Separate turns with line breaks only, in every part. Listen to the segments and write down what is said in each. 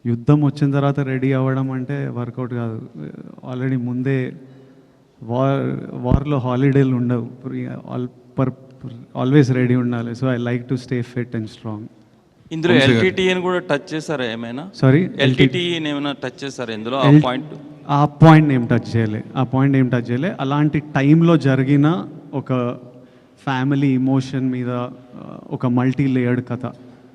యుద్ధం వచ్చిన తర్వాత రెడీ అవ్వడం అంటే వర్కౌట్ కాదు. ఆల్రెడీ ముందే వార్లో హాలిడేలు ఉండవు, ఆల్వేస్ రెడీ ఉండాలి. So I like to stay fit and strong.
ఇందులో ఎల్టీటీని కూడా టచ్ చేశారా ఏమైనా?
సారీ,
ఎల్టీటీని ఏమైనా టచ్ చేశారా ఇందులో?
ఆ పాయింట్ ఏం టచ్ చేయలే. అలాంటి టైంలో జరిగిన ఒక ఫ్యామిలీ ఇమోషన్ మీద ఒక మల్టీ లేయర్డ్ కథ.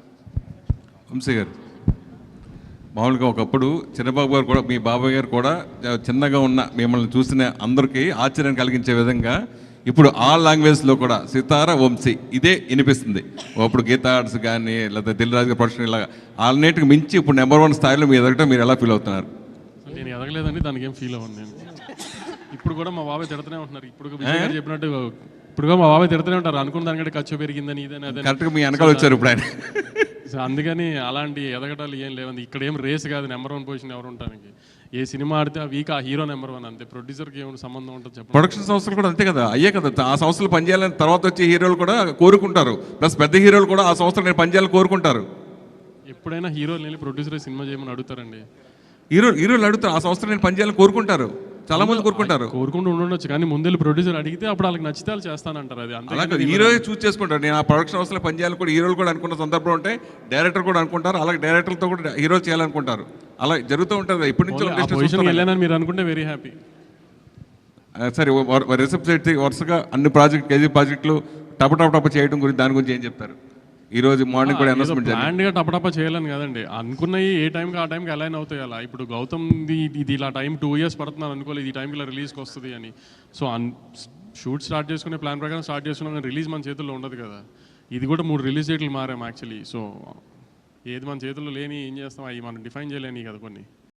వంశీ గారు, మామూలుగా ఒకప్పుడు చిన్నబాబు గారు కూడా, మీ బాబాయ్ గారు కూడా చిన్నగా ఉన్న మిమ్మల్ని చూసిన అందరికీ ఆశ్చర్యం కలిగించే విధంగా ఇప్పుడు ఆ లాంగ్వేజ్లో కూడా సితార వంశీ ఇదే వినిపిస్తుంది. అప్పుడు గీతా ఆర్ట్స్ కానీ లేదా దిల్రాజు గారి ప్రొడక్షన్ ఇలా అన్నిటికి మించి ఇప్పుడు నెంబర్ 1 స్థాయిలో మీ ఎదగటం మీరు ఎలా ఫీల్ అవుతున్నారు?
నేను ఎదగలేదండి, దానికి ఏం ఫీల్ అవ్వను నేను. ఇప్పుడు కూడా మా బాబాయ్ తిడుతూనే ఉంటున్నారు. ఇప్పుడు విజయ్ గారు చెప్పినట్టు ఇప్పుడు కూడా మా బాబాయ్ తిడుతూనే ఉంటారు. అనుకున్న దానికంటే ఖర్చు పెరిగిందని ఇదని
కరెక్ట్గా మీ వెనకాల వచ్చారు ఇప్పుడు ఆయన.
సో అందుకని అలాంటి ఎదగటాలు ఏం లేవండి. ఇక్కడ ఏం రేస్ కాదు నెంబర్ 1 పొజిషన్ ఎవరు ఉండడానికి. ఏ సినిమా ఆడితే ఆ వీక్ ఆ హీరో నెంబర్ 1 అంతే. ప్రొడ్యూసర్కి ఏమైనా సంబంధం ఉంటుంది చెప్పండి.
ప్రొడక్షన్ సంస్థలు కూడా అంతే కదా, అయ్యే కదా. ఆ సంస్థలు పనిచేయాలని తర్వాత వచ్చే హీరోలు కూడా కోరుకుంటారు. ప్లస్ పెద్ద హీరోలు కూడా ఆ సంస్థలు నేను పనిచేయాలని కోరుకుంటారు.
ఎప్పుడైనా హీరోలు వెళ్ళి ప్రొడ్యూసర్ సినిమా చేయమని అడుగుతారండి.
హీరోలు అడుగుతారు, ఆ సంస్థలు నేను పనిచేయాలని కోరుకుంటారు. చాలా మంది కోరుకుంటారు.
కోరుకుంటూ ఉండొచ్చు, కానీ ముందు ప్రొడ్యూసర్ అడిగితే అప్పుడు వాళ్ళకి నచ్చితే వాళ్ళు చేస్తానంటారు. అది
అలాగే హీరో చూస్ చేసుకుంటారు. నేను ఆ ప్రొడక్షన్ హౌస్లో పనిచేయాలని కూడా హీరోలు కూడా అనుకున్న సందర్భం ఉంటే డైరెక్టర్ కూడా అనుకుంటారు. అలాగే డైరెక్టర్లతో కూడా హీరోలు చేయాలనుకుంటారు. అలా జరుగుతూ ఉంటుంది. ఇప్పటి నుంచి
వెళ్ళానని మీరు అనుకుంటే వెరీ హ్యాపీ.
సరే, రిసెప్ట్ వరుసగా అన్ని కేజీ ప్రాజెక్టులు టప చేయడం గురించి, దాని గురించి ఏం చెప్తారు? ఈ రోజు మార్నింగ్ కూడా అనౌన్స్మెంట్
ప్లాన్గా టపటప చేయాలని కదండి, అనుకున్నవి ఏ టైంకి ఆ టైంకి అలైన్ అవుతాయి. అలా ఇప్పుడు గౌతమ్ ఇది ఇలా టైం 2 years పడుతున్నాను అనుకోలేదు ఈ టైంకి ఇలా రిలీజ్కి వస్తుంది అని. సో షూట్ స్టార్ట్ చేసుకునే ప్లాన్ ప్రకారం స్టార్ట్ చేసుకున్నాం, కానీ రిలీజ్ మన చేతుల్లో ఉండదు కదా. ఇది కూడా 3 రిలీజ్ డేట్లు మారాం యాక్చువల్లీ. సో ఏది మన చేతుల్లో లేని ఏం చేస్తాం, అవి మనం డిఫైన్ చేయలేని కదా కొన్ని.